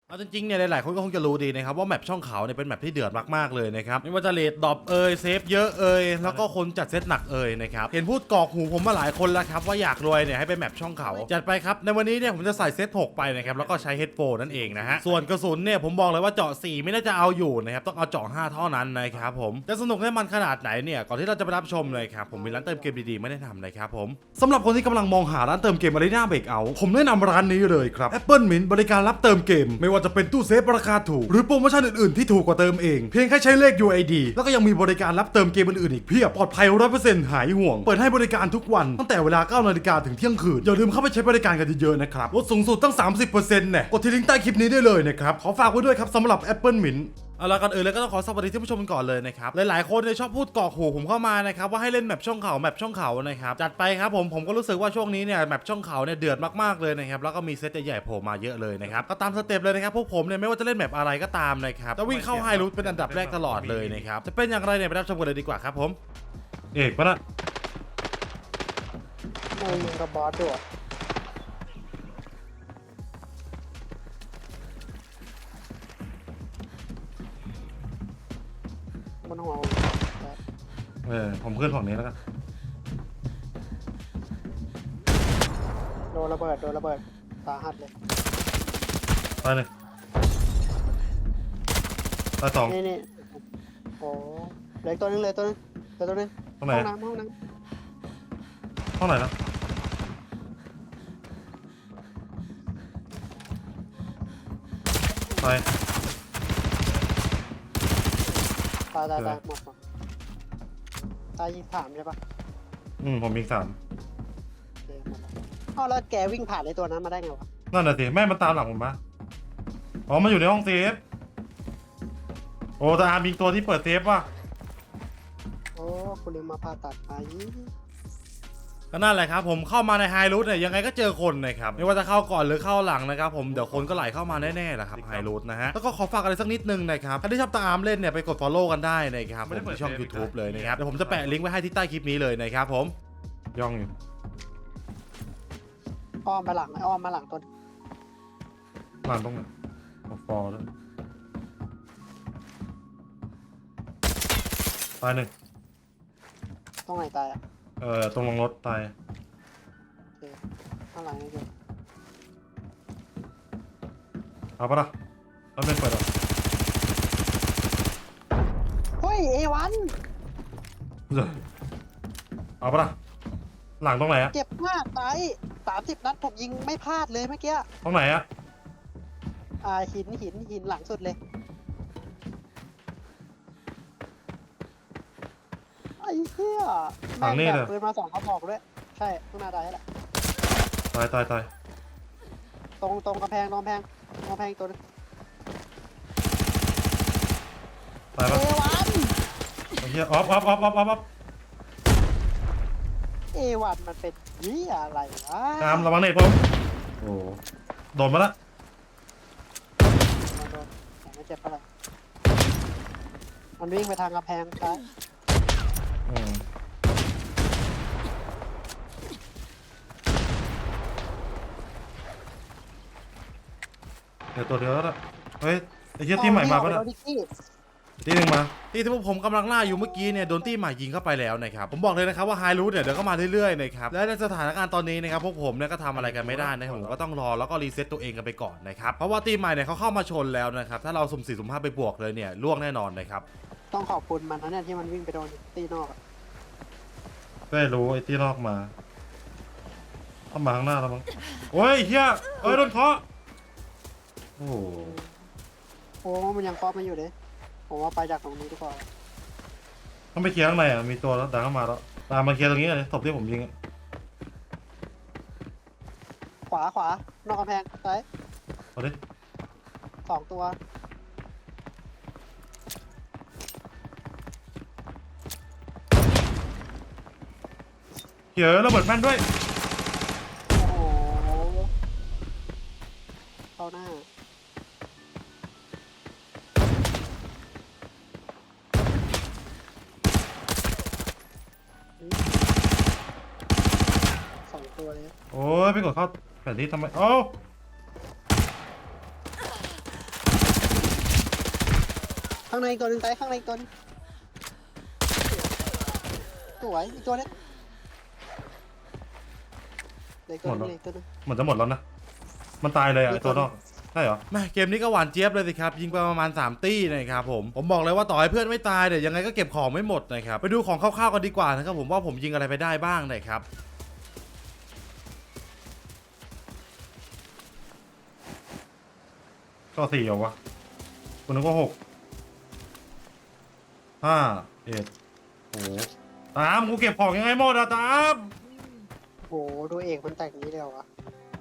เอาจริงๆเนี่ยหลายๆคนก็คงจะรู้ดีนะครับว่าแมปช่องเขาเนี่ยเป็นแมปที่เดือดมากๆเลยนะครับไม่ว่าจะเลดดรอปเซฟเยอะแล้วก็คนจัดเซตหนักนะครับเห็นพูดกอกหูผมมาหลายคนแล้วครับว่าอยากรวยเนี่ยให้ไปแมปช่องเขาจัดไปครับในวันนี้เนี่ยผมจะใส่เซต6ไปนะครับแล้วก็ใช้เฮดโฟนนั่นเองนะฮะส่วนกระสุนเนี่ยผมบอกเลยว่าเจาะ4ไม่น่าจะเอาอยู่นะครับต้องเอาเจาะ5เท่านั้นนะครับผมจะสนุกให้มันขนาดไหนเนี่ยก่อนที่เราจะไปรับชมเลยครับผมมีร้านเติมเกมดีๆไม่ได้ทำนะครับผมสำหรับคนที่กำลังมองหาร้านเติมเกม Arena Breakout ผมแนะนำร้านนี้เลยครับ Apple Mint บริการรับเติมเกมไม่ว่าจะเป็นตู้เซฟราคาถูกหรือโปรโมชั่นอื่นๆที่ถูกกว่าเติมเองเพียงแค่ใช้เลข UID แล้วก็ยังมีบริการรับเติมเกมอื่นๆอีกเพียบปลอดภัย 100% หายห่วงเปิดให้บริการทุกวันตั้งแต่เวลา 9 นาฬิกาถึงเที่ยงคืนอย่าลืมเข้าไปใช้บริการกันเยอะๆนะครับลดสูงสุดตั้ง 30% เนี่ยกดที่ลิงก์ใต้คลิปนี้ได้เลยนะครับขอฝากไว้ด้วยครับสำหรับ Apple Mintเอาละกันเลยก็ต้องขอสวัสดีท่านผู้ชมกันก่อนเลยนะครับหลายๆคนเนี่ยชอบพูดกอกหูผมเข้ามานะครับว่าให้เล่นแมปช่องเขานะครับจัดไปครับผมก็รู้สึกว่าช่วงนี้เนี่ยแมปช่องเขาเนี่ยเดือดมากๆเลยนะครับแล้วก็มีเซตใหญ่ๆโผล่มาเยอะเลยนะครับก็ตามสเต็ปเลยนะครับพวกผมเนี่ยไม่ว่าจะเล่นแมปอะไรก็ตามนะครับจะวิ่งเข้าไฮรูทเป็นอันดับแรกตลอดเลยนะครับจะเป็นอย่างไรเนี่ยไปรับชมกันเลยดีกว่าครับผมเอกปะนะไม่ยิงกับบอสด้วยบนหัวผมขึ้นฝั่งนี้แล้วกันโดนระเบิดสาหัสเลยไปเลยไปสองนี่โอ้เหลือตัวนึงตรงไหนห้องน้ำห้องไหนนะไปตายหมดตายยิงถามใช่ปะผมมี3 แล้วแกวิ่งผ่านไอ้ตัวนั้นมาได้ไงวะนั่นน่ะสิแม่มันตามหลังผมมามันอยู่ในห้องเซฟโอ้แต่มีตัวที่เปิดเซฟว่ะโอ้คุณลืมมาผ่าตัดไปก็นั่นแหละครับผมเข้ามาในไฮรูทเนี่ยยังไงก็เจอคนนะครับไม่ว่าจะเข้าก่อนหรือเข้าหลังนะครับผมเดี๋ยวคนก็ไหลเข้ามาแน่ๆแหละครับไฮรูทนะฮะแล้วก็ขอฝากอะไรสักนิดนึงนะครับถ้าที่ชอบตามเล่นเนี่ยไปกด follow กันได้นะครับผมที่ช่อง YouTube เลยนะครับเดี๋ยวผมจะแปะลิงก์ไว้ให้ที่ใต้คลิปนี้เลยนะครับผมย่องอยู่อ้อมมาหลังตัวหลังตรงไหนฟอร์ด้วยตายหนึ่งตรงไหนตายอ่ะตรงลงรถตายข้างหลังนี่คือเอาปะล่ะแล้วเป็นเปิดหรอเฮ้ยA1 เอาปะล่ะหลังตรงไหนอะเจ็บมากตาย30 นัดผมยิงไม่พลาดเลยเมื่อกี้ตรงไหนอะหินหลังสุดเลยไอ้เหี้ยหลังนี่เลยปืนมา2 กระบอกด้วยใช่ข้างหน้าได้แหละตายตรงกระแพงตัวนึงตายปะไอ้เหี้ยออฟ A1มันเป็นยี่อะไรวะตามระวังเน็ตผมโอ้โดนมาละแต่ไม่เจ็บเท่าไหร่มันวิ่งไปทางกระแพงซ้ายเดี๋ยวตัวเดียวแล้วเฮ้ยไอ้เหี้ยที่ใหม่มาปะเนี่ยที่หนึ่งมาที่พวกผมกำลังล่าอยู่เมื่อกี้เนี่ยโดนที่ใหม่ยิงเข้าไปแล้วนะครับผมบอกเลยนะครับว่าไฮรูทเนี่ยเดี๋ยวก็มาเรื่อยๆนะครับและในสถานการณ์ตอนนี้นะครับพวกผมเนี่ยก็ทำอะไรกันไม่ได้นะครับผมก็ต้องรอแล้วก็รีเซ็ตตัวเองกันไปก่อนนะครับเพราะว่าที่ใหม่เนี่ยเขาเข้ามาชนแล้วนะครับถ้าเราสุ่ม4สุ่ม5ไปบวกเลยเนี่ยล่วงแน่นอนนะครับต้องขอบคุณมันนะเนี่ยที่มันวิ่งไปโดนตีนอกได้รู้ไอ้ที่นอกมาเข้ามาข้างหน้าแล้วมั้งโอ้ยเฮียโดนเคาะโอ้มันยังเคาะมันอยู่เลยผมว่าไปจากตรงนี้ดีกว่าต้องไปเคลียร์ข้างในอ่ะมีตัวแล้วดังเข้ามาแล้วตามมาเคลียร์ตรงนี้เลยศพที่ผมยิงขวานอกกำแพงซ้ายเอาดิ 2 ตัวเหี้ยระเบิดแม่นด้วยโอ้โหเข้าหน้าตัวเลยโอ้ยไปกดเข้าแผนที่ทำไมโอ้ข้างในอีกตัวหนึงตายข้างในอีกตัวหนึงสวยอีกตัวนึงเหลยตัวนึงเหลยตัวนึงเหมือนจะหมดแล้วนะ มันตายเลยอ่ะไอ้ตัวนอกใช่เหรอแม่เกมนี้ก็หวานเจี๊ยบเลยสิครับยิงไปประมาณ3ตี้นะครับผมบอกเลยว่าต่อให้เพื่อนไม่ตายเดี๋ยวยังไงก็เก็บของไม่หมดนะครับไปดูของคร่าวๆกันดีกว่านะครับผมว่าผมยิงอะไรไปได้บ้างนะครับก็4เหรอวะคุณนึกว่า6 5 1โอ้ตามกูเก็บของยังไงหมดอะตามโหดูเอกมันแต่งอย่างนี้เลยเหรอวะ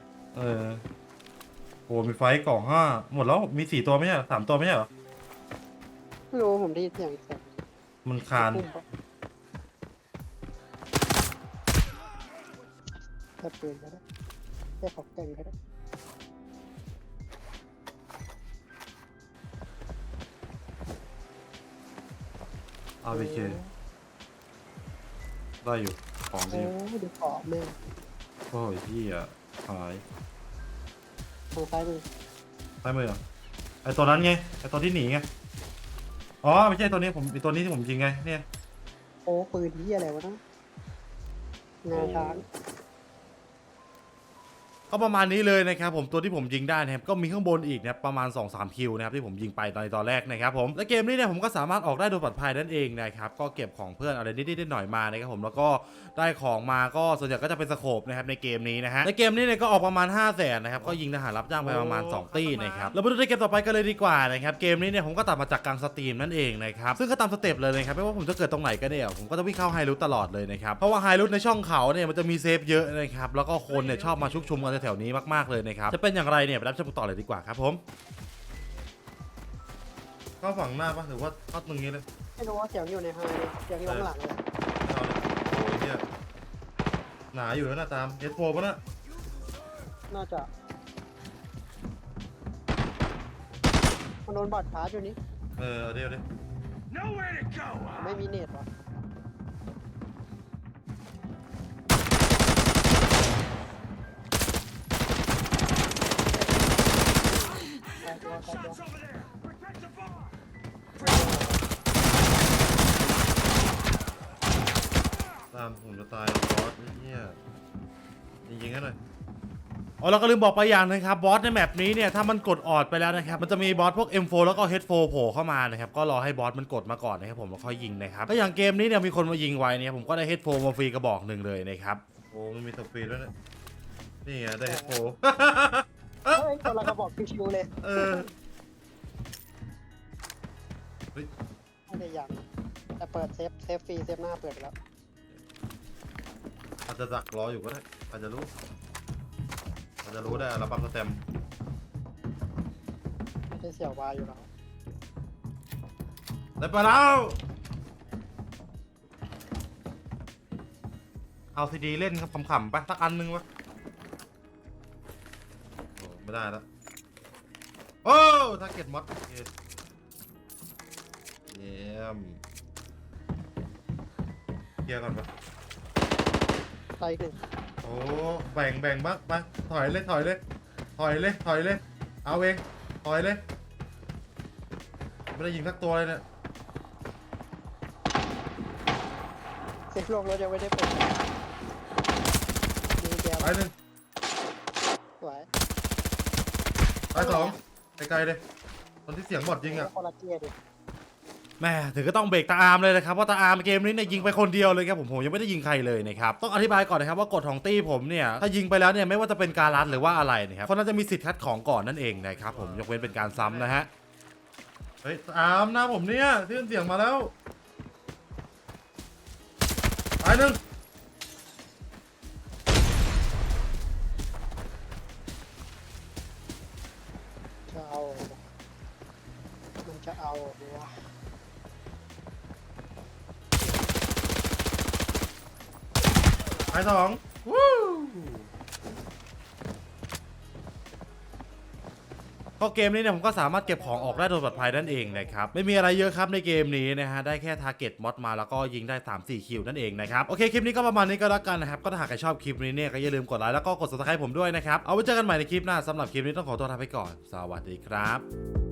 โอ้มีไฟกล่อง5หมดแล้วมี4ตัวไม่ใช่เหรอ3ตัวไม่ใช่เหรอไม่รู้ผมได้ยินเสียงอีกเสียงมันคานแค่ปืนก็ได้แค่ของแต่งก็ได้ RPK ได้อยู่ของโอ้ดีดูขอบแม่โอ้ยพี่อ่ะหายทางซ้ายมือใต้มือเหรอไอตัวนั้นไงไอตัวที่หนีไงอ๋อไม่ใช่ตัวนี้ผมไอตัวนี้ที่ผมยิงไงเนี่ยโอ้ปืนที่อะไรวะนะงาช้างก็ประมาณนี้เลยนะครับผมตัวที่ผมยิงได้นะครับก็มีข้างบนอีกนะประมาณ 2-3 คิวนะครับที่ผมยิงไปตอนแรกนะครับผมและเกมนี้เนี่ยผมก็สามารถออกได้โดยปลอดภัยนั่นเองนะครับก็เก็บของเพื่อนอะไรนิดๆหน่อยๆมานะครับผมแล้วก็ได้ของมาก็ส่วนใหญ่ก็จะเป็นสโคปนะครับในเกมนี้นะฮะในเกมนี้เนี่ยก็ออกประมาณ 500,000นะครับก็ยิงทหารรับจ้างไปประมาณ2ตี้นะครับเราไปดูในเกมต่อไปกันเลยดีกว่านะครับเกมนี้เนี่ยผมก็ตัดมาจากกลางสตรีมนั่นเองนะครับซึ่งก็ตามสเต็ปเลยนะครับไม่ว่าผมจะเกิดตรงไหนก็เนี่ยผมก็จะวิ่งเข้าไฮรูทตลอดเลยนะครับเพราะว่าไฮรูทในช่องเขาเนี่ยมันจะมีเซฟเยอะนะครับแล้วก็คนเนี่ยชอบมาชุกชุมกันแถวๆนี้มากๆเลยนะครับจะเป็นอย่างไรเนี่ยไปรับชมต่อเลยดีกว่าครับผมเข้าฝั่งหน้าปะหรือว่าเข้าตรงนี้เลยไม่รู้ว่าเสียงอยู่ในไฮเลยเสียงอยู่ข้างหลังเลยเอาเลยโอ้ยเหี้ยหนาอยู่แล้วนะตามเอสโฟป่ะนะน่าจะมันโดนบอดชาร์จอยู่นี่เอาดี๋ยว Nowhere to go. ไม่มีเน็ตวะตายตัว Shots over there. Protect the bar. ตามผมจะตายบอสไอ้เหี้ยยิงๆกันหน่อยอ๋อเราก็ลืมบอกไปอย่างนึงครับบอสในแมปนี้เนี่ยถ้ามันกดออดไปแล้วนะครับมันจะมีบอสพวก M4 แล้วก็ H4 โผล่เข้ามานะครับก็รอให้บอสมันกดมาก่อนนะครับผมแล้วค่อยยิงนะครับก็อย่างเกมนี้เนี่ยมีคนมายิงไว้เนี่ยผมก็ได้ H4 มาฟรีกระบอกหนึ่งเลยนะครับโอ้มันมีตัวฟรีด้วยนะนี่ไงได้ H4 เฮ้ยคนละกระบอกชิวๆเลยเฮ้ยไม่ได้ยังแต่เปิดเซฟฟรีเซฟหน้าเปิดไปแล้วอาจจะดักรออยู่ก็ได้อาจจะรู้ได้ระบังสแตมป์ไม่ใช่เสี่ยววายอยู่แล้วได้ไปแล้วเอาซีดีเล่นครับขำๆไปสักอันนึงวะโอ้ไม่ได้แล้วโอ้ทาร์เก็ตมอดเยี่ยมเคลียร์ก่อนปะตายอีกหนึ่งโอ้แบ่งบ้างไปถอยเลยเอาเองถอยเลยไม่ได้ยิงสักตัวเลยเนี่ยเซฟลงรถยังไม่ได้เปิดมีแกไปหนึ่งสวยไปสองไกลๆเลยตอนที่เสียงบอดยิงอ่ะคนละเกียร์ดิแม่ถึงก็ต้องเบรกตาอาร์มเลยนะครับเพราะตาอาร์มเกมนี้เนี่ยยิงไปคนเดียวเลยครับผมยังไม่ได้ยิงใครเลยนะครับต้องอธิบายก่อนนะครับว่ากฎของตี้ผมเนี่ยถ้ายิงไปแล้วเนี่ยไม่ว่าจะเป็นการรัดหรือว่าอะไรนะครับคนนั้นจะมีสิทธิ์คัดของก่อนนั่นเองนะครับผมยกเว้นเป็นการซ้ำนะฮะเฮ้ยตาอาร์มนะผมเนี่ยที่เสียงมาแล้วไปหนึ่งจะเอามันจะเอาวะไปสองวู้ก็เกมนี้เนี่ยผมก็สามารถเก็บของออกได้โดยปลอดภัยนั่นเองนะครับไม่มีอะไรเยอะครับในเกมนี้นะฮะได้แค่ทาร์เก็ตมอดมาแล้วก็ยิงได้ 3-4 คิวนั่นเองนะครับโอเคคลิปนี้ก็ประมาณนี้ก็แล้วกันนะครับก็ถ้าหากใครชอบคลิปนี้เนี่ยก็อย่าลืมกดไลค์แล้วก็กด subscribe ผมด้วยนะครับเอาไว้เจอกันใหม่ในคลิปหน้าสำหรับคลิปนี้ต้องขอตัวลาไปก่อนสวัสดีครับ